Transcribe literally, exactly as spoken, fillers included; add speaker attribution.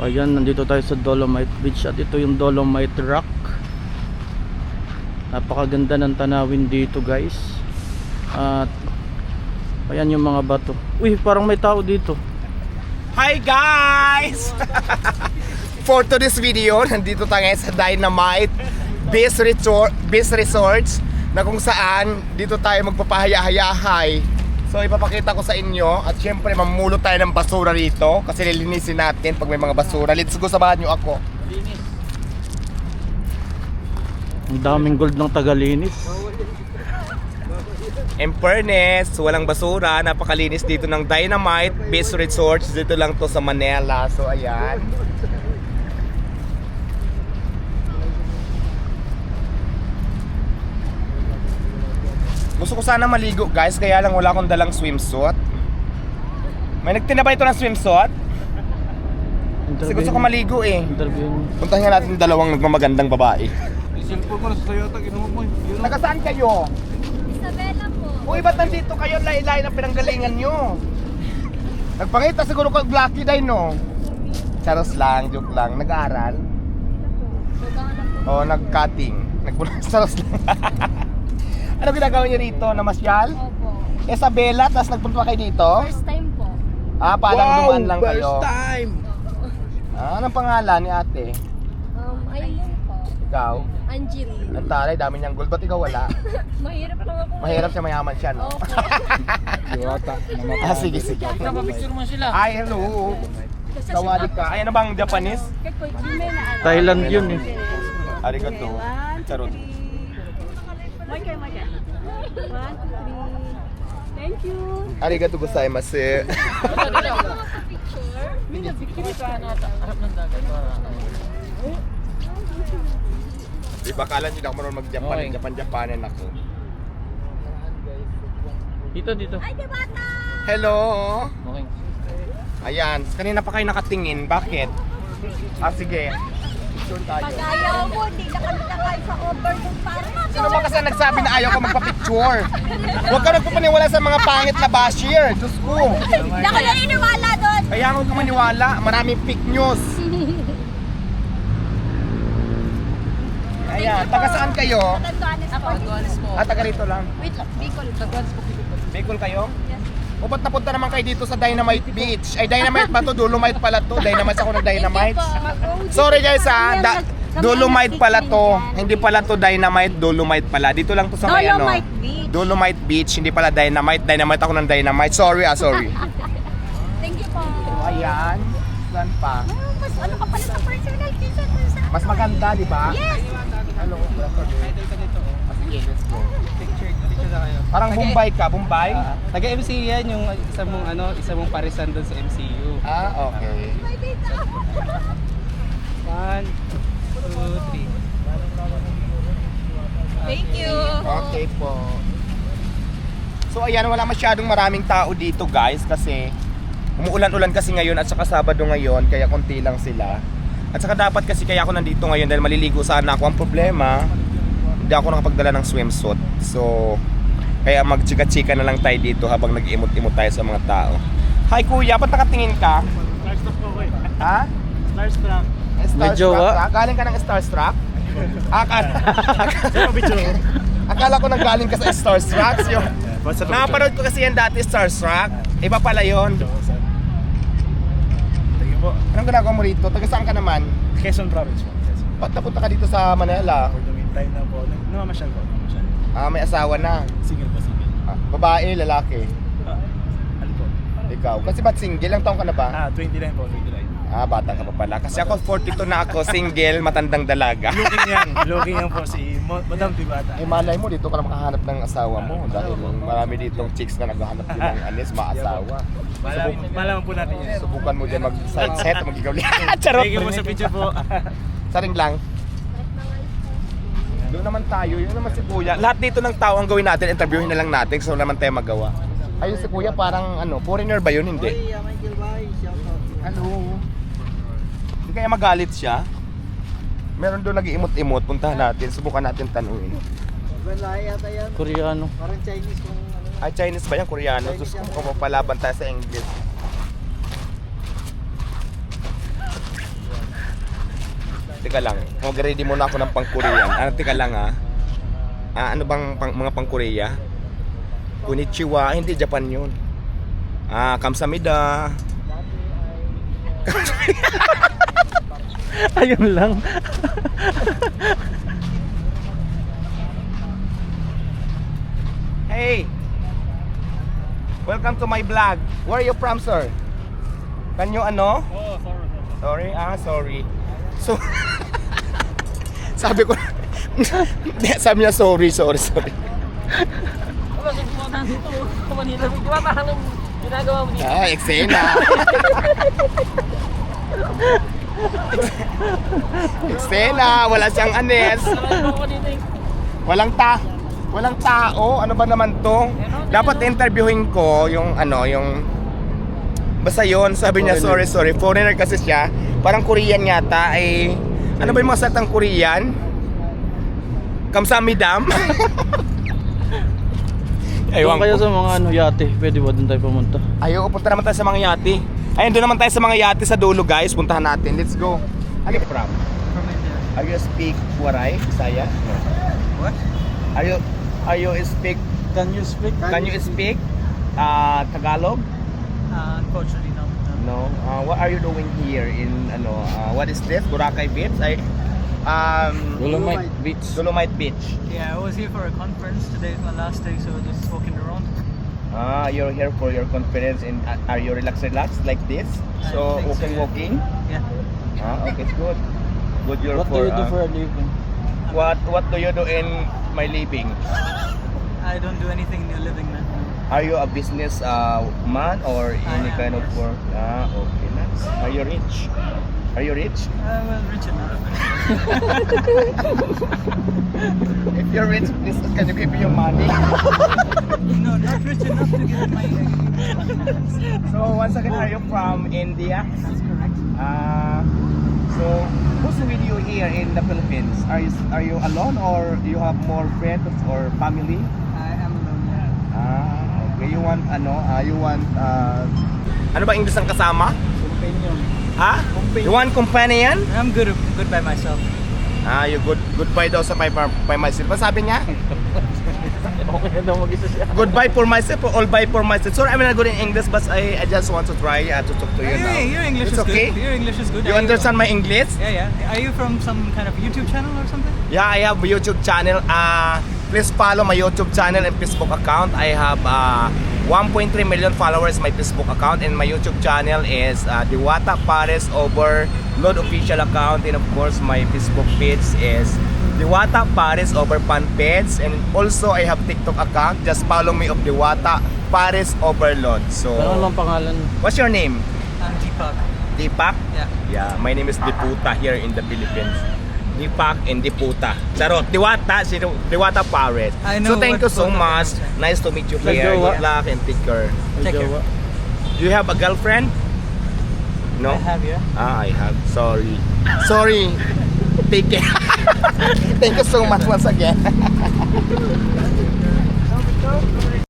Speaker 1: Ayan, nandito tayo sa Dolomite Beach at ito yung Dolomite Rock. Napakaganda ng tanawin dito, guys. At ayan yung mga bato. Uy, parang may tao dito.
Speaker 2: Hi guys! For today's video, nandito tayo ngayon sa Dynamite Beach Resort, Beach Resorts, na kung saan dito tayo magpapahaya-hayahay. So ipapakita ko sa inyo at syempre mamulot tayo ng basura rito kasi lilinisin natin pag may mga basura. Let's go, samahan nyo ako.
Speaker 1: Ang daming gold ng tagalinis.
Speaker 2: In fairness, walang basura, napakalinis dito ng Dynamite Beach Resorts. Dito lang to sa Manila. So ayan. Gusto ko sana maligo, guys, kaya lang wala akong dalang swimsuit. May nagtinda ba ito ng swimsuit? Kasi gusto ko maligo eh.
Speaker 1: Interview.
Speaker 2: Puntahan nga natin yung dalawang nagmamagandang babae.
Speaker 3: Cellphone ko na sa Toyota, ginawa mo eh.
Speaker 2: Taga saan kayo?
Speaker 4: Isabela po.
Speaker 2: Uy, ba't nandito kayo? Lailay na pinanggalingan nyo. Nagpangita siguro kang Blacky Day, no? Charos lang, joke lang. Nag-aaral? O, nag-cutting. Nagpunas, charos lang. Ano ginagawa niyo rito? Namasyal?
Speaker 4: Opo.
Speaker 2: Isabela, tapos nagpunta kayo dito?
Speaker 4: First time po.
Speaker 2: Ah, parang dumaan lang kayo.
Speaker 3: First time!
Speaker 2: Ah, anong pangalan ni ate?
Speaker 4: Um, ayun po.
Speaker 2: Ikaw?
Speaker 4: Angeline.
Speaker 2: Ang taray, dami niyang gold. Ba't ikaw wala?
Speaker 4: Mahirap lang ako.
Speaker 2: Mahirap siya, mayaman siya, no?
Speaker 4: Opo.
Speaker 3: Toyota.
Speaker 2: Ah, sige, sige.
Speaker 3: Napapicture mo sila.
Speaker 2: Ay, hello. Kawali ka. Ay, ano bang Japanese?
Speaker 1: Thailand yun eh.
Speaker 2: Arigato. Charot.
Speaker 4: Marker, marker. One, two, three. Thank you.
Speaker 2: Arigato gozaimasu.
Speaker 4: Picture.
Speaker 2: Di ba kala nyo na ako marunong mag-Japan?
Speaker 1: Okay.
Speaker 2: Japan-Japanan ako.
Speaker 1: Dito, dito.
Speaker 4: Ay, di bata!
Speaker 2: Hello.
Speaker 1: Okay.
Speaker 2: Ayan, kanina pa kayo nakatingin. Bakit? Ah, sige. Picture tayo.
Speaker 4: Pag ayaw mo, di na kami nakain sa overlook para
Speaker 2: Sino ba kasi nagsabi na ayaw ko magpa-picture? Huwag ka nagpapaniwala sa mga pangit na basher. Diyos ko.
Speaker 4: Hindi ako naniniwala doon.
Speaker 2: Kaya huwag ka maniwala. Maraming fake news. Ayan, taga saan kayo?
Speaker 4: Tatantuanes po.
Speaker 2: Ah, taga rito lang.
Speaker 4: Wait lang, Bicol. Tatantuanes po.
Speaker 2: Bicol kayo? O ba't napunta naman kayo dito sa Dynamite Beach? Ay, Dynamite ba to? Dolomite pala to. Dynamite ako ng Dynamite. Sorry guys ha, da- Dolomite pala to. Hindi pala to Dynamite, Dolomite pala. Dito lang to sa may ano.
Speaker 4: Dolomite Beach.
Speaker 2: Dolomite Beach, hindi pala Dynamite. Dynamite ako ng Dynamite. Sorry ah, sorry.
Speaker 4: Thank you po.
Speaker 2: Ayan. Saan pa?
Speaker 4: Oh, mas ano ka pala sa personal kaysa dun sa...
Speaker 2: Mas maganda, di ba?
Speaker 4: Yes!
Speaker 2: Hello. Ah, sige, let's go.
Speaker 3: Picture, picture na kayo.
Speaker 2: Parang Bombay ka, Bombay?
Speaker 3: Taga-M C U yan, yung isa mong ano, isa mong parisan doon sa M C U.
Speaker 2: Ah, okay.
Speaker 4: May data.
Speaker 3: One, two, three.
Speaker 4: Thank you.
Speaker 2: Okay po. So ayan, wala masyadong maraming tao dito guys kasi umuulan-ulan kasi ngayon at saka Sabado ngayon kaya konti lang sila. At saka dapat kasi kaya ako nandito ngayon dahil maliligo sana ako. Ang problema, hindi ako nakapagdala ng swimsuit. So, kaya magchika-chika na lang tayo dito habang nag-imot-imot tayo sa mga tao. Hi kuya, ba't nakatingin ka?
Speaker 3: Starstruck po ko eh.
Speaker 2: Ha?
Speaker 3: Starstruck.
Speaker 1: May jowa?
Speaker 2: Starstruck ka? Galing ka ng Starstruck? Akala,
Speaker 3: Picture.
Speaker 2: akala ko nanggaling ka sa Starstruck. Yung, napanood ko kasi yan dati, Starstruck. Iba pala yun.
Speaker 3: Thank you po.
Speaker 2: Anong ginagawa mo rito? Taga saan ka naman?
Speaker 3: Quezon Province po. Quezon.
Speaker 2: Ba't napunta ka dito sa Manila?
Speaker 3: For the meantime na po. Namamasyal po. Namamasyal.
Speaker 2: Ah, may asawa na.
Speaker 3: Single po, single.
Speaker 2: Ah, babae, lalaki.
Speaker 3: Ah, ano po?
Speaker 2: Ikaw. Kasi ba't single? Ilang taong ka na ba?
Speaker 3: Ah, twenty-nine po, twenty-nine.
Speaker 2: Ah, bata ka pa pala. Kasi ako forty-two na ako, single, matandang dalaga.
Speaker 3: Looking yan. Looking yan po si Mo- Madam Tibata.
Speaker 2: Eh malay mo, dito ka na makahanap ng asawa mo. Dahil marami ditong chicks na naghahanap din ng anis, maasawa.
Speaker 3: Malaman, malaman po natin yan.
Speaker 2: Subukan mo dyan mag-side set, mag-ikaw Charot!
Speaker 3: Thank you po sa picture po.
Speaker 2: Saring lang. Doon naman tayo, yun naman si Kuya. Lahat dito ng tao ang gawin natin, interviewin na lang natin, so naman tayo magawa. Ayun si Kuya, parang ano, foreigner ba yun? Hindi. Hello. Hindi kaya magalit siya? Meron doon nag-iimot-imot, puntahan natin, subukan natin tanungin.
Speaker 1: Koreano.
Speaker 3: Parang Chinese kung ano.
Speaker 2: Ay, Chinese ba yan? Koreano? Sus, kung palaban tayo sa English. Teka lang, mag-ready muna ako ng pang-Korean. Ano, teka lang ha. Ah, ano bang pang, mga pang-Korea? Konnichiwa, hindi Japan yun. Ah, kamsamida.
Speaker 1: Ayun lang.
Speaker 2: Hey! Welcome to my vlog. Where are you from, sir? Can you ano?
Speaker 3: Oh, sorry.
Speaker 2: Sorry, ah, sorry. So, sabi ko, hindi, sabi niya sorry, sorry, sorry.
Speaker 5: Wala sa pumunta dito. Sa Manila. Di ba parang anong ginagawa mo dito?
Speaker 2: Ah, eksena. Eksena, wala siyang anes.
Speaker 5: Parang ako dito eh.
Speaker 2: Walang ta walang tao. Ano ba naman to? Dapat interviewin ko yung ano, yung basta yun, sabi niya sorry, sorry. Foreigner kasi siya. Parang Korean yata ay ano ba yung mga salitang Korean? Kamsamidam.
Speaker 1: Doon kayo sa mga ano, yate. Pwede ba doon tayo pumunta?
Speaker 2: Ayaw, punta naman tayo sa mga yate. Ayun, doon naman tayo sa mga yate sa dulo, guys. Puntahan natin. Let's go. Are you from?
Speaker 3: From India.
Speaker 2: Are you speak Waray, Bisaya? No.
Speaker 3: What?
Speaker 2: Are you Are you speak
Speaker 3: Can you speak?
Speaker 2: Can you speak uh, Tagalog?
Speaker 3: Uh, unfortunately, no.
Speaker 2: No. Uh, what are you doing here in ano? Uh, what is this? Boracay Beach? I um
Speaker 1: Dolomite Beach.
Speaker 2: Dolomite Beach.
Speaker 3: Yeah, I was here for a conference. Today is my last day, so just walking around.
Speaker 2: Ah, you're here for your conference and uh, are you relax relax like this?
Speaker 3: I
Speaker 2: So
Speaker 3: think so,
Speaker 2: walking
Speaker 3: yeah.
Speaker 2: walking.
Speaker 3: Yeah.
Speaker 2: Ah, okay, it's good. Good you're
Speaker 1: What
Speaker 2: for,
Speaker 1: do you do
Speaker 2: uh,
Speaker 1: for a living?
Speaker 2: What what do you do in my living?
Speaker 3: I don't do anything in living, man.
Speaker 2: Are you a business uh, man or
Speaker 3: I
Speaker 2: any
Speaker 3: am,
Speaker 2: kind of
Speaker 3: yes.
Speaker 2: work? Ah, okay, nice. Are you rich? Are you rich?
Speaker 3: Uh, well, rich enough.
Speaker 2: If you're rich, please can you give me your money?
Speaker 3: No, not rich enough to get my.
Speaker 2: So once again, are you from India?
Speaker 3: That's correct.
Speaker 2: Uh, so who's with you here in the Philippines? Are you are you alone or do you have more friends or family?
Speaker 3: I am alone. Yeah.
Speaker 2: Ah, okay. You want ano? Uh, you want uh, ano ba English ang kasama?
Speaker 3: Companion.
Speaker 2: Ha? You want companion?
Speaker 3: I'm good. Good by myself.
Speaker 2: Ah, you good goodbye daw sa by, by myself. Ano sabi niya?
Speaker 1: Okay na daw mag-isa siya.
Speaker 2: Goodbye for myself or all bye for myself. Sorry, I'm not good in English, but I, I just want to try uh, to talk to you
Speaker 3: Hey,
Speaker 2: now.
Speaker 3: your English
Speaker 2: It's
Speaker 3: is
Speaker 2: okay?
Speaker 3: good. Your English is good.
Speaker 2: You
Speaker 3: Are
Speaker 2: understand my English?
Speaker 3: Yeah, yeah. Are you from some kind of YouTube channel or something?
Speaker 2: Yeah, I have a YouTube channel. Uh, please follow my YouTube channel and Facebook account. I have uh, one point three million followers my Facebook account, and my YouTube channel is uh, Diwata Pares Overload official account, and of course my Facebook page is Diwata Pares Over Fan page, and also I have TikTok account. Just follow me of Diwata Pares Overload. So,
Speaker 1: Ano lang pangalan?
Speaker 2: what's your name?
Speaker 3: I'm Deepak.
Speaker 2: Deepak?
Speaker 3: Yeah.
Speaker 2: Yeah, my name is Diputa here in the Philippines. Deepak and Diputa. Charot, Diwata, si Diwata Pares.
Speaker 3: I know
Speaker 2: So thank you
Speaker 3: what
Speaker 2: so
Speaker 3: both of them
Speaker 2: much.
Speaker 3: are.
Speaker 2: Nice to meet you
Speaker 1: Like
Speaker 2: here.
Speaker 1: jowa?
Speaker 2: Good luck and take care.
Speaker 3: Take care.
Speaker 1: Jowa?
Speaker 2: Do you have a girlfriend? No?
Speaker 3: I have, yeah.
Speaker 2: Ah, I have. Sorry. Sorry. Take care. Thank you so much once again.